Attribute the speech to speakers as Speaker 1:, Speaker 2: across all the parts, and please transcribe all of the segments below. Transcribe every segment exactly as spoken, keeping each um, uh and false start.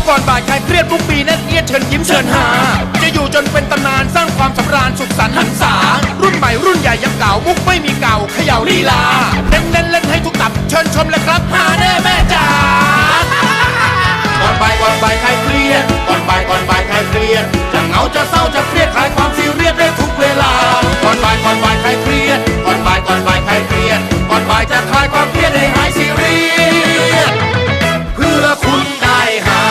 Speaker 1: ก่อนบ่ายใครเครียดทุกปีแน่นเอียดเชิญยิ้มเชิญหาจะอยู่จนเป็นตำนานสร้างความสำราญสุขสันต์หันษารุ่นใหม่รุ่นใหญ่ยังเก่ามุกไม่มีเก่าเขย่าลีลาเน้นเน้นเล่นให้ทุกตับเชิญชมเลยครับหาแน่แม่จ๋าก่อนบ่ายก่อนบ่ายใครเครียดก่อนบ่ายก่อนบ่ายใครเครียดจะเหงาจะเศร้าจะเครียดคลายความซีเรียสได้ทุกเวลาก่อนบ่ายก่อนบ่ายใครเครียดก่อนบ่ายก่อนบ่ายใครเครียดก่อนบ่ายจะคลายความเครียดให้หายซีเรียสเพื่อคุณได้หา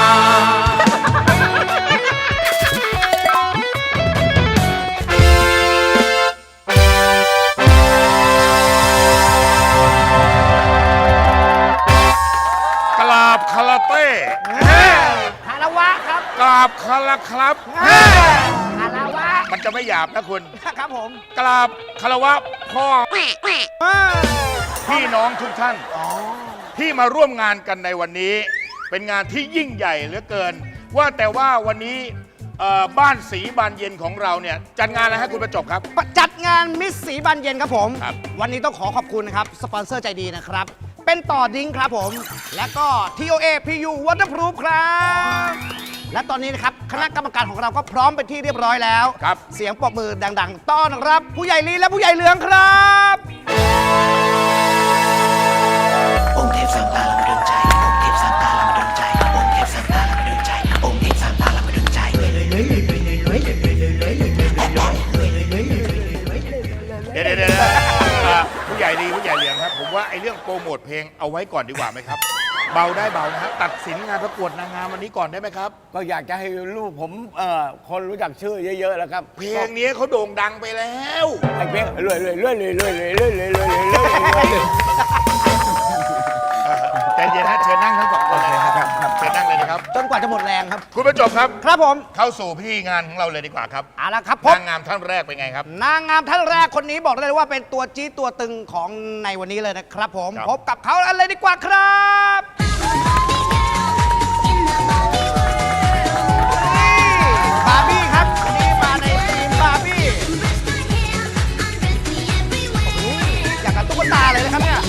Speaker 2: กราบคาราเต้
Speaker 3: คารวะครับ
Speaker 2: กราบคาราครับ
Speaker 3: คารวะ
Speaker 2: มันจะไม่หยาบนะคุณ
Speaker 3: ครับผม
Speaker 2: กราบคารวะพ่อพี่น้องทุกท่านที่มาร่วมงานกันในวันนี้ เป็นงานที่ยิ่งใหญ่เหลือเกิน ว่าแต่ว่าวันนี้เอ่อบ้านสีบานเย็นของเราเนี่ยจัดงานอะไรให้คุณประจบครับ
Speaker 3: จัดงานมิสสีบานเย็นครับผม
Speaker 2: ครับ
Speaker 3: วันนี้ต้องขอขอบคุณนะครับ สปอนเซอร์ใจดีนะครับ เป็นต่อดิ้งครับผม และก็ ที โอ เอ พี ยู Waterproof ครับ และตอนนี้นะครับ คณะกรรมการของเราก็พร้อมเป็นที่เรียบร้อยแล้ว
Speaker 2: ครับ
Speaker 3: เสียงปรบมือดังๆ ต้อนรับ ผู้ใหญ่ลีและผู้ใหญ่เหลืองครับ
Speaker 4: องค์เทพสามตาเรามาดลใจองค์เทพสามตาเรามาดลใจองค์เทพสามตาเรามาดลใจองค์เทพสามตาเรามาดลใจ
Speaker 2: เดี๋ยวเดี๋ยวเดี๋ยวเอ่อผู้ใหญ่ดีผู้ใหญ่เหลียงครับ ผมว่าไอ้เรื่องโปรโมทเพลงเอาไว้ก่อนดีกว่าไหมครับ เบาได้เบานะฮะตัดสินงานประกวดนางงามวันนี้ก่อนได้ไหมครับ
Speaker 5: ก็อยากจะให้ลูกผมเอ่อคนรู้จักชื่อเยอะๆแล้วครับ
Speaker 2: เพลงนี้เขาโด่งดังไปแล้ว
Speaker 5: ไอ้เพลงรวยรวยรวยรวยรวยรวยรวยรวยรวยรวยรวยรวย
Speaker 2: แต่เย็นฮะเชิญนั่งทั้งสองคนเลยครับเชิญนั่งเลยนะครับ
Speaker 3: จนกว่าจะหมดแรงครับ
Speaker 2: คุณประจบครับ
Speaker 3: ครับผม
Speaker 2: เข้าสู่พิธีงานของเราเลยดีกว่าครับ
Speaker 3: เอาละครับพบ
Speaker 2: นางงามท่านแรกเป็นไงครับ
Speaker 3: นางงามท่านแรกคนนี้บอกได้เลยว่าเป็นตัวจี๊ดตัวตึงของในวันนี้เลยนะครับผม
Speaker 2: ครับ
Speaker 3: พบกับเขาอะไรดีกว่าครับบาร์บี้ครับวันนี้มาในทีมบาร์บี้อยากกับตุ๊กตาเลยนะครับเนี่ย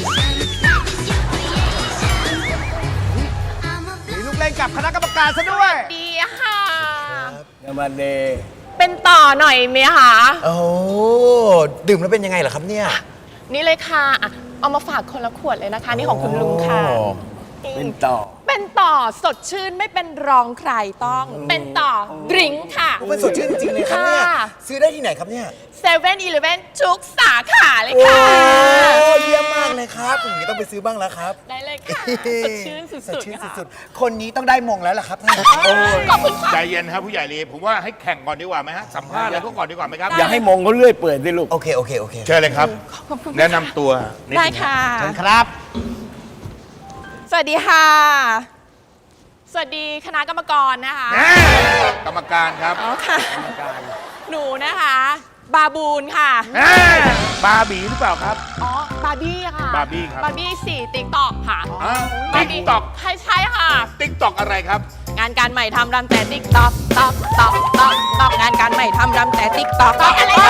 Speaker 3: มีลูกเล่นกับคณะกรรมการซะด้วย
Speaker 6: ดีค่ะ
Speaker 5: อย่ามาเด
Speaker 6: เป็นต่อหน่อยไหมคะ
Speaker 4: โอ้ดื่มแล้วเป็นยังไงเหรอครับเนี่ย
Speaker 6: นี่เลยค่ะอ่ะ เอามาฝากคนละขวดเลยนะคะ นี่ของคุณลุงค่ะ
Speaker 5: เป็นต่อ
Speaker 6: เป็นต่อสดชื่นไม่เป็นรองใครต้อง เป็นต่อดริงก์ค่ะ
Speaker 4: มันสดชื่นจริงๆเลยครับเนี่ย
Speaker 6: ค่ะ
Speaker 4: ซื้อได้ที่ไหนครับเนี่ย
Speaker 6: เซเว่นอีเลฟเว่นทุกสาขาเลยค่ะ
Speaker 4: โอ้เยี่ยมมากเลยครับอย่างนี้ต้องไปซื้อบ้างแล้วครับ
Speaker 6: ได้เลยค่ะ สดชื่นสุ
Speaker 4: สด
Speaker 6: ด
Speaker 4: ชื่น
Speaker 6: ๆค่ะ
Speaker 4: สุดๆคนนี้ต้องได้มงแล้วล่ะครับท่าน
Speaker 6: ขอบคุณค่ะ
Speaker 2: ใจเย็นครับผู้ใหญ่ลีผมว่าให้แข่งก่อนดีกว่าไหมฮะสัมภาษณ์อะไรก็ก่อนดีกว่าไหมครับ
Speaker 5: อย่าให้มงเขาเลื่อยเปื่อยสิลูก
Speaker 4: โอเคโอเคโอเค
Speaker 2: เชิญเลยครับ
Speaker 6: ขอบคุณ
Speaker 2: แนะนำตัวนิด
Speaker 6: ได้
Speaker 2: นึง
Speaker 6: ค่ะ
Speaker 3: เชิญครับ
Speaker 6: สวัสดีค่ะ สวัสดีคณะกรรมกรนะคะ
Speaker 2: แน่กรรมการครับ
Speaker 6: อ๋อค่ะ หนูนะคะ บาบูนค่ะ
Speaker 2: แน่บาร์บีหรือเปล่าครับ
Speaker 6: อ๋อ บาร์บี้ค่ะ
Speaker 2: บาร์บี้ครับ
Speaker 6: บาร์บี้สี่ติ๊กตอกค่ะ
Speaker 2: ติ๊กต็อก
Speaker 6: ใช่ใช่ค่ะ
Speaker 2: ติ๊กต็อกอะไรครับ
Speaker 6: งานการใหม่ทำรำแต่ติ๊กตอกตอกตอกตอกตอกงานการใหม่ทำรำแต่ติ๊กตอกอะไรตอก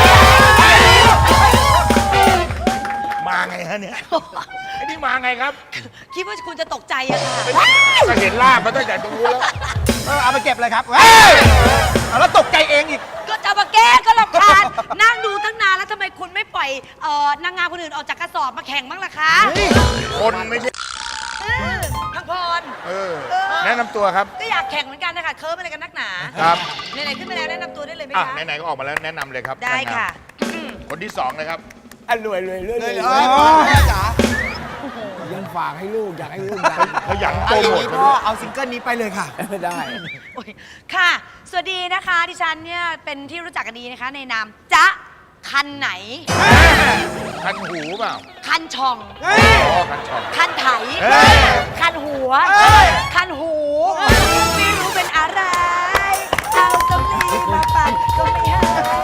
Speaker 2: มาไงฮะเนี่ยไอ้นี่มาไงครับ
Speaker 7: คิดว่าคุณจะตกใจอะค่ะ
Speaker 2: ก็เห็นลาบมาตั้งแต่ตรงนู้นแล้ว
Speaker 3: เออเอาไปเก็บเลยครับเฮ้ยเอาแล้วตกใจเองอีก
Speaker 7: ก็จะมาแก้ก็รำคาญ นั่งดูตั้งนานแล้วทำไมคุณไม่ปล่อยเอ่อนางงามคนอื่นออกจากกระสอบมาแข่งบ้างล่ะคะ
Speaker 2: คนไม่ใช่
Speaker 7: เออพังพร
Speaker 2: เออ แนะนำตัวครับ
Speaker 7: ก็อยากแข่งเหมือนกันนะคะเคิร์ฟอะไรกันนักหนา
Speaker 2: ครับ
Speaker 7: ไหนๆขึ้นมาแล้วแนะนำตัวได้เลยไหม
Speaker 2: อ่ะ
Speaker 7: คะ
Speaker 2: ไหนๆก็ออกมาแล้วแนะนำเลยครับ
Speaker 7: ได้ค่ะ
Speaker 2: นางงามคนที่สองเลยครับ
Speaker 5: อ่ะรวยรวยรวยรวย
Speaker 3: เออแม่จ๋า
Speaker 5: ยังฝากให้ลูกอยากให้ลูกดัง
Speaker 2: ขยันโปรโมท
Speaker 4: พ่อเอาซิงเกิลนี้ไปเลยค่ะ
Speaker 5: ไม่ได้
Speaker 7: โอ้ยค่ะ สวัสดีนะคะ ดิฉันเนี่ยเป็นที่รู้จักกันดีนะคะ ในนามจ๊ะคันไหน
Speaker 2: คันหูเปล่า
Speaker 7: คันช่อง
Speaker 2: อ๋อคันช่อง
Speaker 7: คันไถ
Speaker 2: เฮ้ย
Speaker 7: คันหัว คันหู ไม่รู้เป็นอะไร เอาตำลีมาปั่นก็ไม่หาย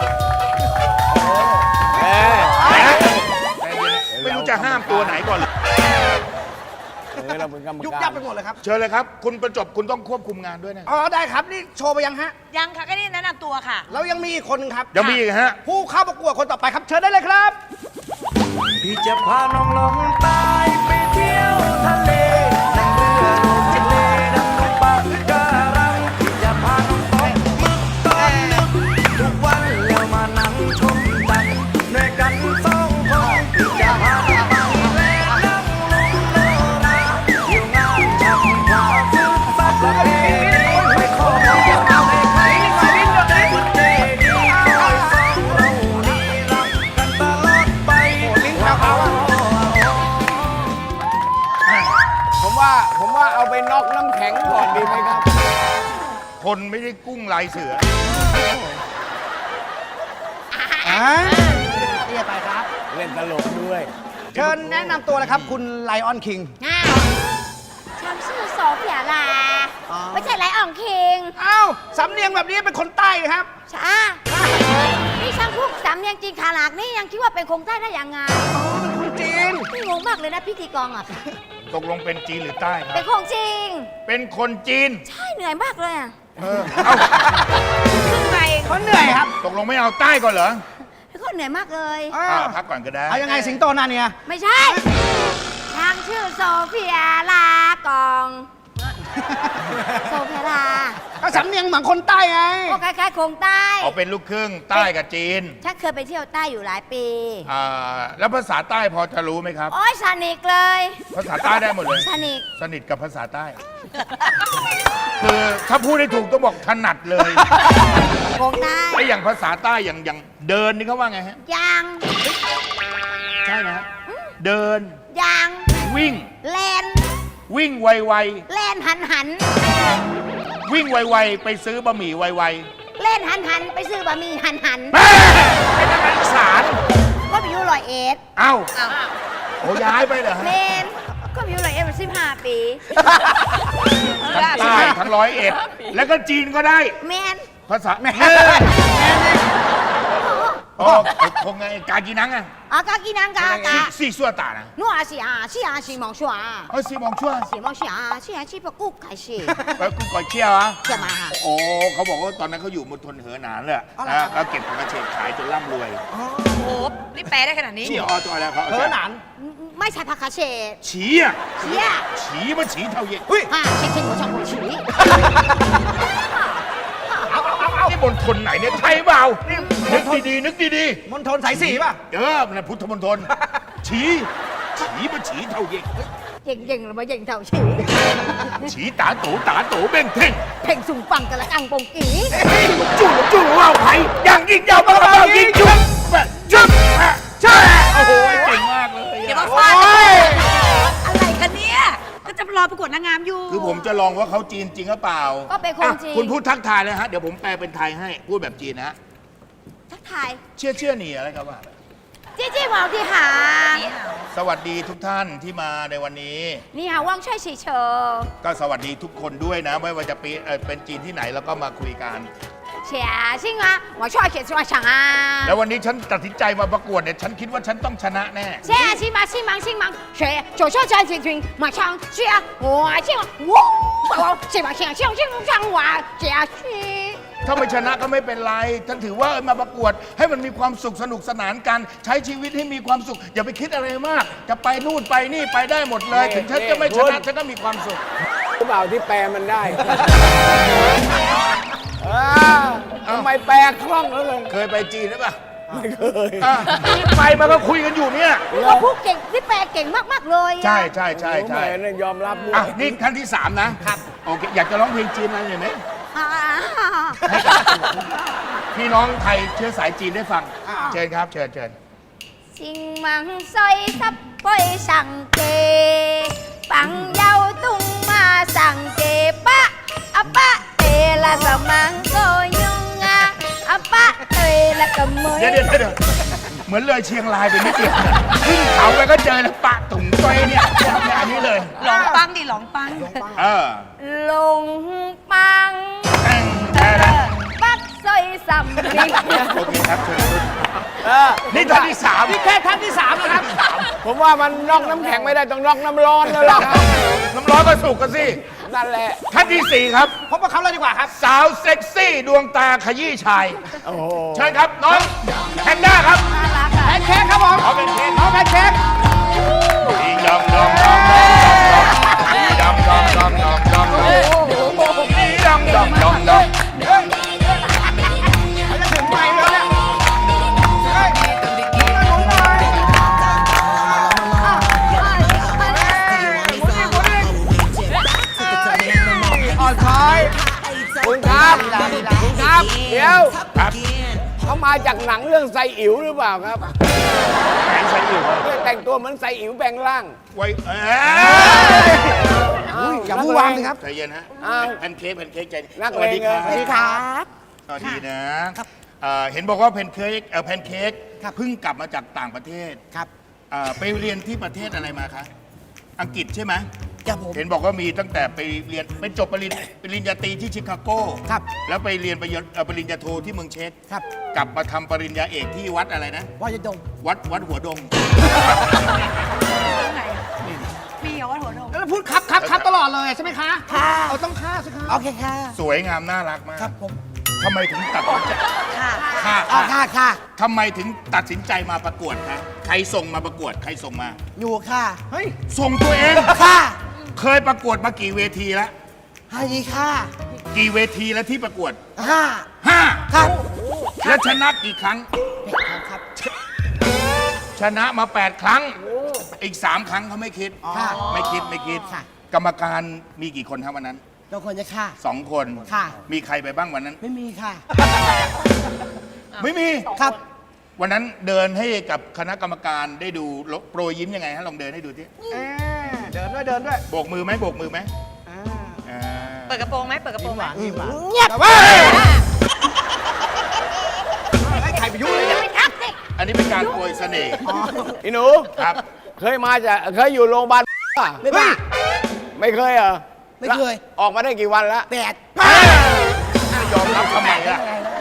Speaker 2: ไม่รู้จะห้ามตัวไหนก่อนเลย
Speaker 5: เออเราเป็นกรรม
Speaker 3: ยุบ
Speaker 5: การ
Speaker 3: ยับไปหมดเลยครับ
Speaker 2: เชิญเลยครับ คุณประจบคุณต้องควบคุมงานด้วยนะ
Speaker 3: อ๋อได้ครับนี่โชว์ไปยังฮะ
Speaker 7: ยังค่ะก็นี่แนะนำตัวค่ะ
Speaker 3: แล้วยังมีอีกคนนึงครับ
Speaker 2: ยังมีอีกฮะ
Speaker 3: ผู้เข้าประกวดคนต่อไปครับเชิญได้เลยครับ
Speaker 4: พี่จะพาน้องลงใต้ไปเที่ยวทะเลนั่งเรือลงทะเลน้ำตกปลา
Speaker 5: ผมว่าผมว่าเอาไปน็อกน้ำแข็งก่อนดีไหมครับ
Speaker 2: คนไม่ได้กุ้งลายเสือ
Speaker 3: อ่าเรียกไปครับ
Speaker 5: เล่นตลกด้วย
Speaker 3: เชิญแนะนำตัวเลยครับ คุณไลออนคิง
Speaker 7: อ้าวฉันชื่อโซเฟียลา
Speaker 3: อ๋อ
Speaker 7: ไม่ใช่ไรอ่องคิง
Speaker 3: อ้าวสำเนียงแบบนี้เป็นคนใต้นะครับ
Speaker 7: ช้านี่ช่างพูดสำเนียงจีนขนาดนี้ยังคิดว่าเป็นคงใต้ได้ยังไง
Speaker 3: คนจีน
Speaker 7: นี่งงมากเลยนะพิธีกรอ่ะ
Speaker 2: ตกลงเป็นจีนหรือใต้ครั
Speaker 7: เป็
Speaker 2: บ
Speaker 7: นคงจริง
Speaker 2: เป็นคนจีน
Speaker 7: ใช่เหนื่อยมากเลยอ่ะ
Speaker 2: เออ เอ้า
Speaker 7: ขึ้นไป
Speaker 3: เขาเหนื่อยครับ
Speaker 2: ตกลงไม่เอาใต้ก่อนเหรอ
Speaker 7: ก็เหนื่อยมากเลย
Speaker 3: อ่า
Speaker 2: อ่าพักก่อนก็ได้
Speaker 3: เอายังไงสิงโตนาเนี่ย
Speaker 7: ไม่ใช่ช่างชื่อโซเฟียลากองโซเฟียลา
Speaker 3: ก็สำเนียงเหมือนคนใต้ไง
Speaker 7: ก็คล้ายๆคงใต้
Speaker 2: เอาเป็นลูกครึ่งใต้กับจีน
Speaker 7: ฉันเคยไปเที่ยวใต้อยู่หลายปี
Speaker 2: อ่า แล้วภาษาใต้พอจะรู้ไหมครับ
Speaker 7: โอ้ยสนิทเลย
Speaker 2: ภาษาใต้ได้หมดเลย
Speaker 7: สนิท
Speaker 2: สนิทกับภาษาใต้ คือถ้าพูดได้ถูกต้องบอกถนัดเลย
Speaker 7: คงใต้
Speaker 2: ไอ้อย่างภาษาใต้อย่างอย่างเดินนี่เขาว่าไงฮะ
Speaker 7: ยาง
Speaker 2: ใช่นะฮะ เดิน
Speaker 7: ยาง
Speaker 2: วิ่ง
Speaker 7: แลน
Speaker 2: วิ่งไว
Speaker 7: แลนหันหัน
Speaker 2: ๆ วิ่งไวๆ ไปซื้อบะหมี่ไว
Speaker 7: เล่นหันหันไปซื้อบะหมี่หันหัน
Speaker 2: ๆแม่เป็นนักการศึกษา
Speaker 7: ก็ไปอยู่ร้อยเอ็ด
Speaker 2: เอ้าโอ้ย้ายไปเหรอ
Speaker 7: เม
Speaker 2: ฮะ
Speaker 7: นก็ไปอยู่ร้อยเอ็ดมาสิบห้าปี
Speaker 2: ทั้งใต้ทั้งร้อยเอ็ด แล้วก็จีนก็ได้
Speaker 7: เมน
Speaker 2: ภาษาแม่โอ้คงไงกากีนังอะ
Speaker 7: อากากินังกากา
Speaker 2: สี่สั่วตานะ
Speaker 7: นัวสิอาสิอาสิมองชัว
Speaker 2: เออสี่มองชั่ว
Speaker 7: สิมองชัวสิอาสิปะกุกไข่สิ
Speaker 2: ไปกูก่อยเชี่ยวอะ
Speaker 7: จะมาหา
Speaker 2: โอ้เขาบอกว่าตอนนั้นเขาอยู่มณฑลเหอหนานเลยอะนะแล้วเก็บผักกระเฉดขายจนร่ำรวย
Speaker 6: โอ้โห นี่แปลได้ขนาดนี้
Speaker 2: เชี่ยออตัวแล้วเขา
Speaker 3: เออหนาน
Speaker 7: ไม่ใช่ผักคาเชด
Speaker 2: ฉีอะ
Speaker 7: เชี่ย
Speaker 2: ฉีมันฉีเท่าเย็น
Speaker 7: ฮ่าเช็คเช็คหัวช่องหัวฉี
Speaker 2: นี่มณฑลไหนเนี่ยไทยเปล่านึกดีๆนึกดี
Speaker 3: มณฑลสายสีป่ะ
Speaker 2: ๆเออมันนะพุทธมณฑลฉีฉีมันฉีเท่าเย็น
Speaker 7: เย่งเย่งหรือมาเย่งเท่าฉี
Speaker 2: ฉีตาโตตาโตเบ้งเท่ง
Speaker 7: เพ่งสุ่มปังกันละอังปงกี
Speaker 2: จู่จู่ว่าวไผ่อย่างยิ่งยาวบ้าบ้ายิ่งจุ๊บแบบจุ๊บอะใช่โอ้โหเก่งมากเลย
Speaker 6: เดี๋ยว
Speaker 2: อะ
Speaker 6: มาฟาดอะไรกันเนี่ย ก็จะรอประกวดนางงามอยู่
Speaker 2: คือผมจะลองว่าเขาจีนจริงหรือเปล่า
Speaker 7: ก็เป็นคน
Speaker 2: อ่ะ
Speaker 7: จีน
Speaker 2: คุณพูดทักทายเลยฮะเดี๋ยวผมแปลเป็นไทยให้พูดแบบจีนนะฮะ
Speaker 7: ทักทาย
Speaker 2: เชื่อเชื่อหนีอะไรครับว่า
Speaker 7: จี้จี้หวาวที่หา
Speaker 2: สวัสดีทุกท่านที่มาในวันนี้
Speaker 7: นี่หาว่างช่วยฉีเชอ
Speaker 2: ก็สวัสดีทุกคนด้วยนะ ไม่ว่าจะเป็นเอ่อเป็นจีนที่ไหนแล้วก็มาคุยกัน
Speaker 7: เฉียชิงอ่ะ我ช่วยเฉียช่วยฉังอ่ะ
Speaker 2: แล้ววันนี้ฉันตัดสินใจมาประกวดเนี่ยฉันคิดว่าฉันต้องชนะแน่
Speaker 7: เฉียชิมาชิมังชิมังเฉีย九ช่วยฉันจริงๆมาช่างเฉีย我ชิง我我ชิมาเฉียชิงชิงช่าง我เฉียชี
Speaker 2: ถ้าไม่ชนะก็ไม่เป็นไรฉันถือว่ามาประกวดให้มันมีความสุขสนุกสนานกันใช้ชีวิตให้มีความสุข อย่าไปคิดอะไรมาก จะไปนู่นไปนี่ไปได้หมดเลย ถึงฉันจะไม่ชนะฉันก็มีความสุข
Speaker 5: หรือเปล่าที่แปลมันได้อ่าทำไมแปลคล่องแล้วเลย
Speaker 2: เคยไปจีนหรือเปล่า
Speaker 5: ไม่เคย
Speaker 2: อ่ะนี่ไปมาก็คุยกันอยู่เนี่ย
Speaker 7: นี่ก็พูดเก่งนี่แปลเก่งมากๆเลยอะ
Speaker 2: ใช่ใช่ใช่ใช่
Speaker 5: แหมเนี่ยยอมรับด้ว
Speaker 2: อ่ะ
Speaker 5: ย
Speaker 2: นี่ขั้นที่สามนะครับโอเคอยากจะร้องเพลงจีนอะไรหน่อยไหม
Speaker 7: อ่า
Speaker 2: ให้กับพี่น้องไทยเชื้อสายจีนได้ฟังเชิญครับเชิญเชิญ
Speaker 7: ชิงมังซอยซับปอยสังเกปังเยาตุงมาสังเกปะอะปะเตละสมังโกยุงอะอะปะเตละกะเมย
Speaker 2: เดี๋ยวเดี๋ยวเดี๋ยวเหมือนเลยเชียงรายไปนิดเดียวขึ้นเขาไปก็เจอแล้วปะถุงต้อยเนี่ยอันนี้เลย
Speaker 6: หลองปังดิหลองปัง
Speaker 2: เออ
Speaker 7: ลงปัง
Speaker 2: แต่งแต่ละ
Speaker 7: ปักซอยสัมริง
Speaker 2: โอเคครับเชิญคุณ
Speaker 5: เออ
Speaker 2: นี่ท่านที่สาม
Speaker 3: นี่แค่ท่านที่สามนะครับ
Speaker 5: ผมว่ามันนอกน้ำแข็งไม่ได้ต้องนอกน้ำร้อนแล้วล่ะครับ
Speaker 2: น้ำร้อนก็สุกกันสิ
Speaker 5: นั่นแหละ
Speaker 2: ท่านที่สี่ครับ
Speaker 3: พบกับเขาเลยดีกว่าครับ
Speaker 2: สาวเซ็กซี่ดวงตาขยี้ชาย
Speaker 5: โอ้โห
Speaker 2: เชิญครับน้องแพนด้าครับ
Speaker 7: น่ารักอะ
Speaker 3: แพนเค้กครับผม
Speaker 2: ขอเป็นเพลง
Speaker 3: น้องแพนเค้ก
Speaker 2: ดีดำดำดำดำดีดำดำดำดำดำดีดำดำดำดำ
Speaker 3: เขาจะถึงไหมแล้วเนี่ยเฮ้ยหมุนหน่อยอ่อนช้อย
Speaker 5: คุณครับ
Speaker 3: ลีลาลีลา
Speaker 5: คุณครับ เดี๋ยว
Speaker 2: ครับ
Speaker 5: เขามาจากหนังเรื่องไซอิ๋วหรือเปล่าครับ
Speaker 2: แผนใส่อยู่
Speaker 5: เนี่ยแต่งตัวเหมือนไซอิ๋วแปลงร่าง
Speaker 2: ไว้เอ้ย
Speaker 3: วางสิครับ
Speaker 2: ใจเย็นฮะ
Speaker 5: อ้าว
Speaker 2: แพนเค้กแพนเค้กใจ
Speaker 5: นัก
Speaker 2: สวัสดี
Speaker 5: เลง
Speaker 2: ค
Speaker 5: เลย
Speaker 2: รับ
Speaker 3: ครับ
Speaker 2: สวัสดีนะเอ่อเห็นบอกว่าแพนเค้กเอ่อแพนเค้ก
Speaker 3: ครับ
Speaker 2: เพิ่งกลับมาจากต่างประเทศ
Speaker 3: ครับ
Speaker 2: เอ่อไปเรียนที่ประเทศอะไรมาคะอังกฤษใช่ไหม
Speaker 3: ครับผม
Speaker 2: เห็นบอกว่ามีตั้งแต่ไปเรียนไปจบปริญปริญญาตรีที่ชิคาโก
Speaker 3: ครับ
Speaker 2: แล้วไปเรียนปริญญาเอ่อปริญญาโทที่เมืองเช็ก
Speaker 3: ครับ
Speaker 2: กลับมาทำปริญญาเอกที่วัดอะไรนะ
Speaker 3: ว่าจะดง
Speaker 2: วัดวัดหัวดง
Speaker 6: มีเหรอว่าหัวโนม
Speaker 3: แล้วพูดครับครับครับตลอดเลยใช่ไหมคะค่ะเอาต้องค่าสิครับโอเคค่ะ
Speaker 2: สวยงามน่ารักมาก
Speaker 3: ครับผม
Speaker 2: ทำไมถึงตัดสินใจ
Speaker 6: ค่ะ
Speaker 2: ค่ะ
Speaker 3: อ๋อค่ะค่ะ
Speaker 2: ทำไมถึงตัดสินใจมาประกวดคะใครส่งมาประกวดใครส่งมา
Speaker 3: อยู่ค่ะเฮ้ย
Speaker 2: ส่งตัวเอง
Speaker 3: ค่ะ
Speaker 2: เคยประกวดมากี่เวทีแล้ว
Speaker 3: ฮันดีค่ะ
Speaker 2: กี่เวทีแล้วที่ประกวด
Speaker 3: ห้า
Speaker 2: ห้า
Speaker 3: ครับ
Speaker 2: แล้วชนะกี่ครั้ง
Speaker 3: ครับ
Speaker 2: ชนะมาแปดครั้ง อีกสามครั้งเขาไม่คิด
Speaker 3: ค่ะ
Speaker 2: ไม่คิดไม่คิด
Speaker 3: ค่ะ
Speaker 2: กรรมการมีกี่คนครับวันนั้น
Speaker 3: เราควรจะค่ะ
Speaker 2: สองคน
Speaker 3: ค่ะ
Speaker 2: มีใครไปบ้างวันนั้น
Speaker 3: ไม่มีค่ะ
Speaker 2: ไม่มี
Speaker 3: ครับ
Speaker 2: วันนั้นเดินให้กับคณะกรรมการได้ดูโปรยยิ้มยังไงฮะลองเดินให้ดูที่
Speaker 3: เดินด้วยเดินด้วย
Speaker 2: โบกมือไหมโบกมือไหมอ่า
Speaker 6: เปิดกระโปรงไหมเปิดกระโปรงไหม
Speaker 3: เงียบว่าไอ้ไข่ไปยุ่งเลยเนี่ย
Speaker 2: อันนี้เป็นการโปรยเสน่ห์
Speaker 5: อีหนู
Speaker 2: ครับ
Speaker 5: เคยมาจากเคยอยู่โรงพยาบาลป่ะ
Speaker 3: ไม่บ้า
Speaker 5: ไม่เคยเหรอ
Speaker 3: ไม่เคย
Speaker 5: ออกมาได้กี่วันแล้ว
Speaker 3: แปด
Speaker 2: ไม่ยอมรับทำไมล่ะ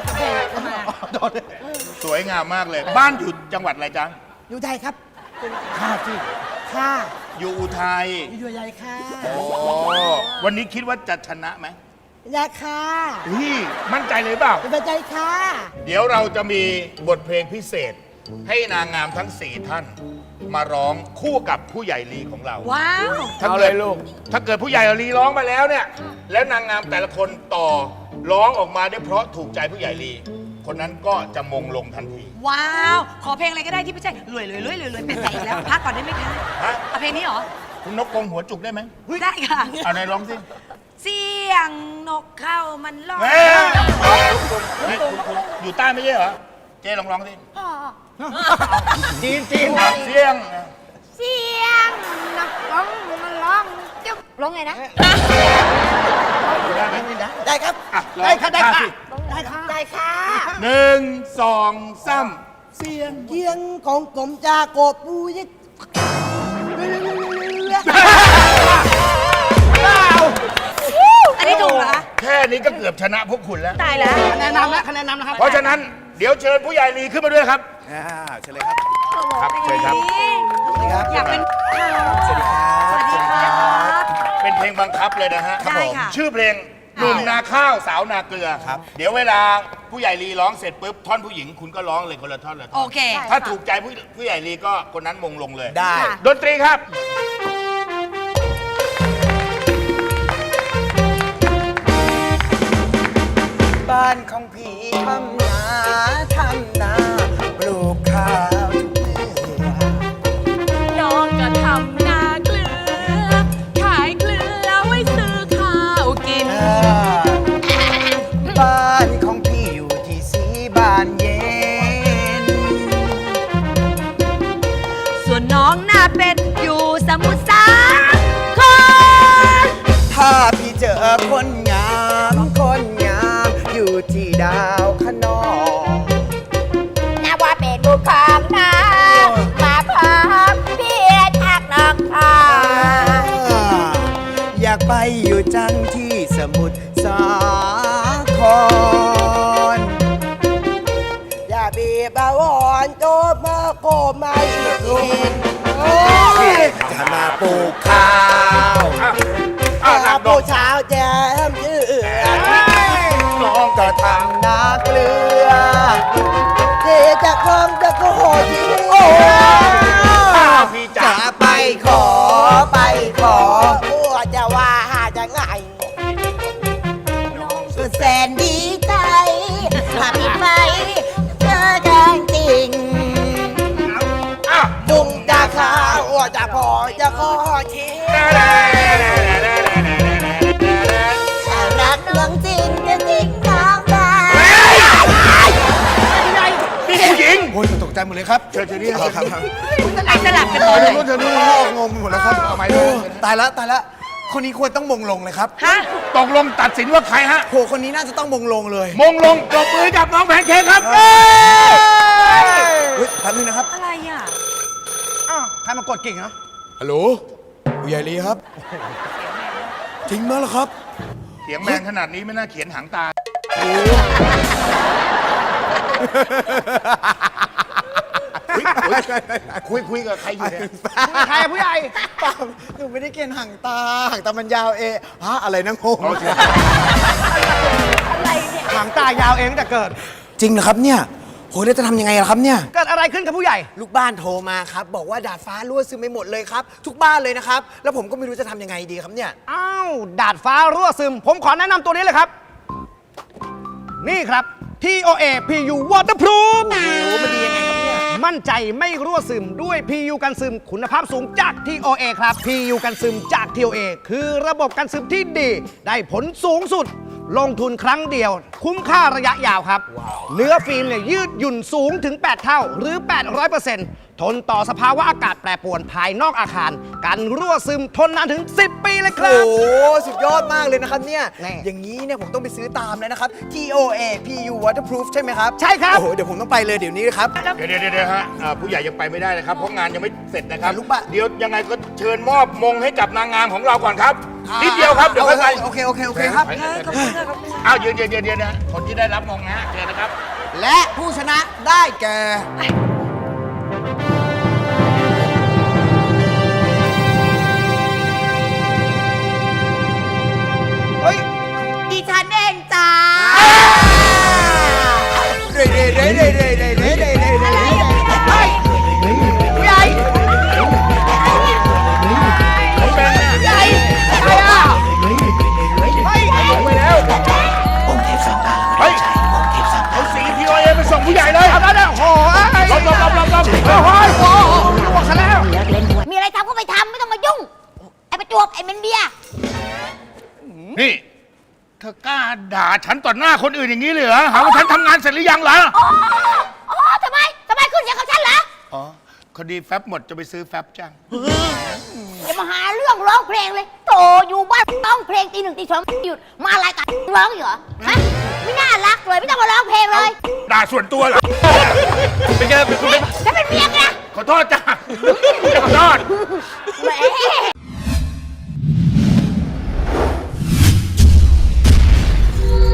Speaker 2: สวยงามมากเลย บ้านอยู่จังหวัดอะไรจ๊ะ
Speaker 3: อยู่ไทยครับค่ะสิค่ะ
Speaker 2: อยู่อุทัย
Speaker 3: อยู่ใหญ่ค่ะ
Speaker 2: โอ้วันนี้คิดว่าจะชนะไหม
Speaker 3: ยาค่ะ
Speaker 2: พี่มั่นใจเลยเปล่า
Speaker 3: เป็นใจค่ะ
Speaker 2: เดี๋ยวเราจะมีบทเพลงพิเศษ ให้นางงามทั้งสี่ท่าน มาร้องคู่กับผู้ใหญ่ลีของเรา
Speaker 6: ว้าว
Speaker 2: ถ้า
Speaker 5: เอา
Speaker 2: เกิ
Speaker 5: เล
Speaker 2: ด
Speaker 5: ยลูก
Speaker 2: ถ้าเกิดผู้ใหญ่ลีร้องมาแล้วเนี่ย แล้วนางงามแต่ละคนต่อร้องออกมาได้เพราะถูกใจผู้ใหญ่ลี คนนั้นก็จะมงลงทันที
Speaker 6: ว้าว ขอเพลงอะไรก็ได้ที่ไม่ใช่รวยรวยรวยรวยรวยเป็นใจอีกแล้วพักก่อนได้ไหมคะ
Speaker 2: ฮะ
Speaker 6: เอาเพลงนี้เหรอ
Speaker 2: คุณนกกงหัวจุกได้ไหม
Speaker 6: ได้ค่ะ
Speaker 2: เอาไหนร้องสิ
Speaker 6: เสียงนกเข้ามันร้อง
Speaker 2: เฮ้ยเฮ้ยคุณคุณอยู่ใต้ไม่ใช่เหรอ เจ๊ลองร้องสิ
Speaker 3: จีนจีน
Speaker 2: อ่ะเสียง
Speaker 7: เสียงนักร้องมันร้องจุ๊บร้องไงนะ
Speaker 2: ได้ไหม
Speaker 3: ได้ครับ
Speaker 2: อ่ะร้อง
Speaker 3: ได้ค่ะได้
Speaker 2: ท่า
Speaker 3: ค่ะ
Speaker 2: สิ
Speaker 3: ได้ค่ะได้ค่ะ
Speaker 2: หนึ่งสองสามเสียง
Speaker 3: เกียงของกลมจากบปูยิก
Speaker 6: อันนี้ถูกเหรอคะ
Speaker 2: แค่นี้ก็เกือบชนะพวกคุณแล้ว
Speaker 6: ตายแล้ว
Speaker 3: คะแนนนำนะคะแนนนำนะครับ
Speaker 2: เพราะฉะนั้นเดี๋ยวเชิญผู้ใหญ่ลีขึ้นมาด้วยครับเชิญเลยครับ ครับเชิญครับ
Speaker 6: อยากเป็นสวัสดีครับสวัสดีครับ
Speaker 2: เป็นเพลงบังคับเลยนะฮะ
Speaker 6: ได้ค่ะ
Speaker 2: ชื่อเพลงหนุ่มนาข้าวสาวนาเกลือครับ เดี๋ยวเวลาผู้ใหญ่ลีร้องเสร็จปุ๊บท่อนผู้หญิงคุณก็ร้องเลยคนละท่อนละท่
Speaker 6: โอ
Speaker 2: อน
Speaker 6: เค
Speaker 2: ถ้าถูกใจผู้ผู้ใหญ่ลีก็คนนั้นมงลงเลย
Speaker 3: ได้
Speaker 2: ดนตรีครับ
Speaker 3: บ้านของพี่ทำนาทำนาปลูกข้าวทุกเดือน
Speaker 6: น้องก็ทำนาเกลือ ขายเกลือไว้ซื้อข้าวกิน
Speaker 3: บ้านของพี่อยู่ที่สีบ้านเย็น
Speaker 6: ส่วนน้องหน้าเป็ดอยู่สมุทรสาคร
Speaker 3: ถ้าพี่เจอคนงามคนงามอยู่ที่ดาวขนอง
Speaker 7: นับว่าเป็นบุคคลนะมาพบพี่ทักนอกทอง
Speaker 3: อยากไปอยู่จังที่สมุทรสาคร อย่าบีบเอาอ่อนโตมาโกไม่กินจะมาปลูกข้าว
Speaker 2: อ้าวหนั
Speaker 3: ถ้าก
Speaker 2: ด
Speaker 3: ปลู
Speaker 2: อก
Speaker 3: กเช้าแจมยืดน้องก็ทำนาเกลือเดี๋ยวจะคลองจะโคทีโอ้
Speaker 2: อ้าวพี่จ๋า
Speaker 3: จะไปขอไปขอผัวจะว่าหาจะไงก็แสนดีใจถ้าพี่ไปเจอกันจริง
Speaker 2: อ้าว
Speaker 3: บุงจะข้าวจะพอจะขอทีถ้ารักเรื่องจริงจะจริงน้องได้
Speaker 2: นี่ผู้หญิง
Speaker 3: โอ้ยตกใจหมดเลยครับ
Speaker 2: เชิญเชิญนี่ครับครับ
Speaker 6: ไอ้สลับกันตอนไหน
Speaker 3: นู่นเธอนู่นงงไปหมดแล้วครับเอาไม้ตายแล้วตายแล้วคนนี้ควรต้องมงลงเลยครับ
Speaker 6: ฮะ
Speaker 2: ตกลงตัดสินว่าใครฮะ
Speaker 3: โหคนนี้น่าจะต้องมงลงเลย
Speaker 2: มงลงปรบมือกับน้องแพนเค้กครับ
Speaker 3: เฮ้ยแป๊บนึงนะครับ
Speaker 6: อะไรอ่ะ
Speaker 5: อ้าวใครมากดกิ่งเหรอ
Speaker 3: ฮัลโหลผู้ใหญ่ลีครับ จริงไหมล่ะครับ
Speaker 2: เสียงแมนขนาดนี้ไม่น่าเขียนหางตา คุยคุยกับใครอยู่เนี่ย
Speaker 5: ใครอะผู้ใหญ่
Speaker 3: เปล่าหนูไม่ได้เกณฑ์ห่างตาห่างตามันยาวเองฮะอะไรนะงง
Speaker 6: อะไรเนี่ย
Speaker 5: หางตายาวเองตั้งแต่เกิด
Speaker 3: จริงเหรอครับเนี่ยโหแล้วจะทำยังไงล่ะครับเนี่ย
Speaker 5: เกิดอะไรขึ้นกับผู้ใหญ่
Speaker 3: ลูกบ้านโทรมาครับ บอกว่าดาดฟ้ารั่วซึมไปหมดเลยครับ ทุกบ้านเลยนะครับ แล้วผมก็ไม่รู้จะทำยังไงดีครับเนี่ย
Speaker 5: อ้าว ดาดฟ้ารั่วซึม ผมขอแนะนำตัวนี้เลยครับ นี่ครับ ที โอ เอ พี ยู Waterproof
Speaker 3: โอ้มันดียังไงครับเนี่ย
Speaker 5: มั่นใจไม่รั่วซึมด้วย พี ยู กันซึมคุณภาพสูงจาก ที โอ เอ ครับ พี ยู กันซึมจาก ที โอ เอ คือระบบกันซึมที่ดี ได้ผลสูงสุด ลงทุนครั้งเดียว คุ้มค่าระยะยาวครับ เนื้อฟิล์มเนี่ยยืดหยุ่นสูงถึง แปด เท่า หรือ แปดร้อยเปอร์เซ็นต์ ทนต่อสภาวะอากาศแปรปรวนภายนอกอาคาร กันรั่วซึมทนนานถึง สิบ ปีเลยค
Speaker 3: โอ้
Speaker 5: รับ
Speaker 3: โหสุดยอดมากเลยนะครับเนี่ย
Speaker 5: แน่
Speaker 3: อย่างนี้เนี่ยผมต้องไปซื้อตามแล้วนะครับ ที โอ เอ พี ยู Waterproof ใช่ไหมครับ
Speaker 5: ใช่ครับ
Speaker 3: โอ้โหเดี๋ยวผมต้องไปเลยเดี๋ยวนี้เลยครับ
Speaker 2: เดี๋ยวเดี๋ยวเดี๋ยวฮะอ่าผู้ใหญ่ยังไปไม่ได้นะครับ เพราะงานยังไม่เสร็จนะครับ
Speaker 3: ลูกบ้าน
Speaker 2: เดี๋ยวยังไงก็เชิญมอบมงให้กับนางงามของเราก่อนครับ นิดเดียวครับ เดี๋ยวค่อยไป
Speaker 3: โอเคโอเคโอเคครับ
Speaker 2: อ้าวยืนยืนยืนยืนนะคนที่ได้รับมงนะฮะเชิญนะครับ
Speaker 3: และผู้ชนะได้แก่
Speaker 5: เฮ้ย
Speaker 7: ดิฉันเองจ้า
Speaker 3: เร่เร่เร่เร่เร่เร่เร่เร่เร่เร่
Speaker 5: ผู้ใหญ่
Speaker 2: ผมเป็นเนี่ย
Speaker 5: ใหญ่ใครอ่ะเฮ้ย
Speaker 2: ลงไปแล้ว
Speaker 4: องค์เทพสามตาละ
Speaker 2: เฮ้
Speaker 4: มาย ดนใจองค์เทพสามตา
Speaker 2: เอาสีทีโอเอไปส่งผู้ใหญ่เลย
Speaker 5: เอาได้ได้โอ้โห
Speaker 2: ลบลบลบลบลบ
Speaker 5: โอ้โหโอ้โหลวกซะแล้ว
Speaker 7: มีอะไรทำก็ไปทำไม่ต้องมายุ่ง ไอ้ประจวบไอ้เมนเบีย
Speaker 2: นี่เธอกล้าด่าฉันต่อหน้าคนอื่นอย่างนี้เลยเหรอหาว่าฉันทำงานเสร็จหรือยังเหรอ
Speaker 7: อ๋อ อ๋อทำไมทำไมขึ้นเสียงกับฉันเหรอ
Speaker 2: อ๋อคดีแฟบหมดจะไปซื้อแฟบจ้าง
Speaker 7: อย่ามาหาเรื่องร้องเพลงเลยโถอยู่บ้านร้องเพลงตีหนึ่งตีสองหยุดมารายการร้องอยู่เหรอฮะไม่น่ารักเลยไม่ต้องมาร้องเพลงเลย
Speaker 2: ด่าส่วนตัวเหรอเป็นไงเป็นคุณ
Speaker 7: ฉันเป็นเมียไง
Speaker 2: ขอโทษจ้าขอโทษ
Speaker 7: แหม